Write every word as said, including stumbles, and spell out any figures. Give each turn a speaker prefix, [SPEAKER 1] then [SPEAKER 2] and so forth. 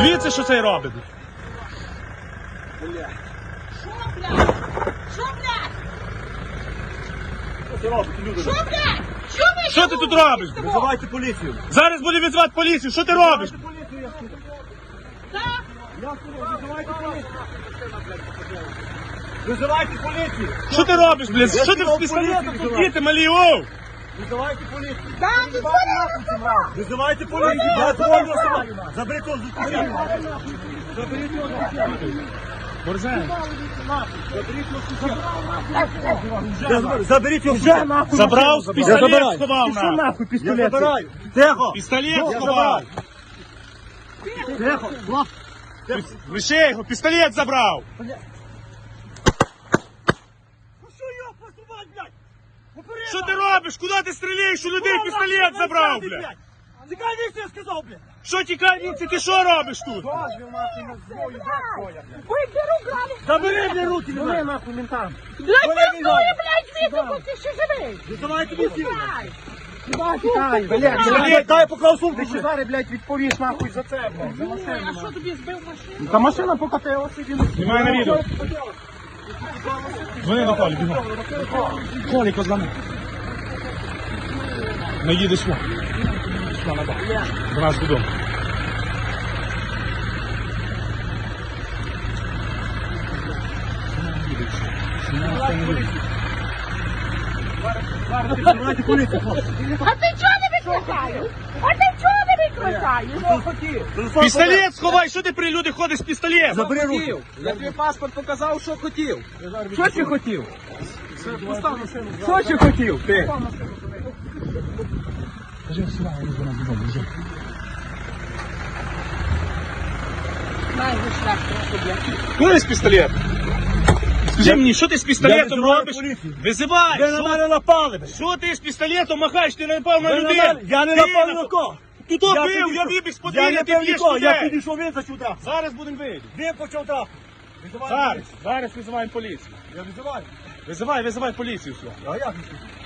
[SPEAKER 1] Дивіться, що цей робить.
[SPEAKER 2] Що, блядь? Що, блядь?
[SPEAKER 3] Що ти робиш, люди?
[SPEAKER 2] Що, блядь? Що ви?
[SPEAKER 1] Що ти тут робиш?
[SPEAKER 3] Визивайте поліцію.
[SPEAKER 1] Зараз буде відзвати поліцію. Що ти робиш?
[SPEAKER 3] Визивайте поліцію, я сказав.
[SPEAKER 2] Так?
[SPEAKER 3] Я сказав, визивайте поліцію. Визивайте поліцію.
[SPEAKER 1] Що ти робиш, блядь? Що ти з пістолетом тут діти малі, оу?
[SPEAKER 3] Визивайте поліцію.
[SPEAKER 2] Так, ти
[SPEAKER 3] Визивайте поліцію. Я твою особу. Заберіть його з дитини. Заберіть його з дитини.
[SPEAKER 1] Борзен.
[SPEAKER 3] Заберіть його вже нахуй.
[SPEAKER 1] Забрав,
[SPEAKER 3] Я
[SPEAKER 1] пістолет
[SPEAKER 3] забираю.
[SPEAKER 1] сховав
[SPEAKER 3] Пішов
[SPEAKER 1] на.
[SPEAKER 3] нахуй пістолет. Я забираю. Тихо.
[SPEAKER 1] Пістолет
[SPEAKER 3] Я
[SPEAKER 1] сховав.
[SPEAKER 3] забираю. Тихо. Влад.
[SPEAKER 1] Лише його, пістолет забрав.
[SPEAKER 3] Ну що його посувати, блядь? Попереду.
[SPEAKER 1] Що ти робиш? Куди ти стріляєш? У людей пістолет забрав, блядь.
[SPEAKER 3] Тікай віці, я сказав, блядь.
[SPEAKER 1] Що тікай, віці, ти що робиш тут?
[SPEAKER 2] Виберу, грані.
[SPEAKER 3] Забери, блядь, руки, блядь. нахуй ментам.
[SPEAKER 2] Блядь, пиздує, блядь, звідси, бо ти ще живий.
[SPEAKER 3] Визивайте поліцію.
[SPEAKER 2] Дай.
[SPEAKER 3] Блядь, дай поклав сумку ще.
[SPEAKER 4] Зараз, блядь, відповіш нахуй за це, блядь.
[SPEAKER 2] А що тобі збив машину?
[SPEAKER 4] Та машина покатилася, він...
[SPEAKER 1] Знімай на відео. Дзвони до Колі, бігом. Колі, позвони. Не їдеш сюди. Сюди, на бок. До нас додому.
[SPEAKER 3] Визивайте поліцію, хлопці.
[SPEAKER 2] А ти чого не викликаєш? А ти чого не викликаєш?
[SPEAKER 3] Телефон
[SPEAKER 1] Пістолет сховай, що ти при люди ходиш з пістолетом?
[SPEAKER 3] Забери руки.
[SPEAKER 4] Я тобі паспорт показав, що хотів. Що ти хотів? Що ти хотів, ти?
[SPEAKER 2] Знаю, ви шлях трохи, блядь.
[SPEAKER 1] Куди з пістолет? Скажи мені, що ти з пістолетом
[SPEAKER 3] визиваю
[SPEAKER 1] робиш?
[SPEAKER 3] поліцію.
[SPEAKER 1] Визивай!
[SPEAKER 3] Ви на
[SPEAKER 1] Що-
[SPEAKER 3] мене напали, блядь.
[SPEAKER 1] Що ти з пістолетом махаєш? Ти не напав на
[SPEAKER 3] Ви на
[SPEAKER 1] людей!
[SPEAKER 3] мене- Я не
[SPEAKER 1] Ти
[SPEAKER 3] напав ні
[SPEAKER 1] напав.
[SPEAKER 3] на кого.
[SPEAKER 1] Ти то
[SPEAKER 3] Я
[SPEAKER 1] бив, я
[SPEAKER 3] підійшов-
[SPEAKER 1] вибіг з
[SPEAKER 3] Я
[SPEAKER 1] подвір'я,
[SPEAKER 3] не
[SPEAKER 1] ти
[SPEAKER 3] бив
[SPEAKER 1] б'єш
[SPEAKER 3] нікого, я
[SPEAKER 1] людей!
[SPEAKER 3] підійшов, він зачув трап.
[SPEAKER 1] Зараз будемо вийти.
[SPEAKER 3] Він почав трап. Визивайте
[SPEAKER 1] Зараз,
[SPEAKER 3] поліцію.
[SPEAKER 1] зараз визиваємо поліцію.
[SPEAKER 3] Я визиваю.
[SPEAKER 1] Визивай, визивай поліцію сюди.
[SPEAKER 3] А як?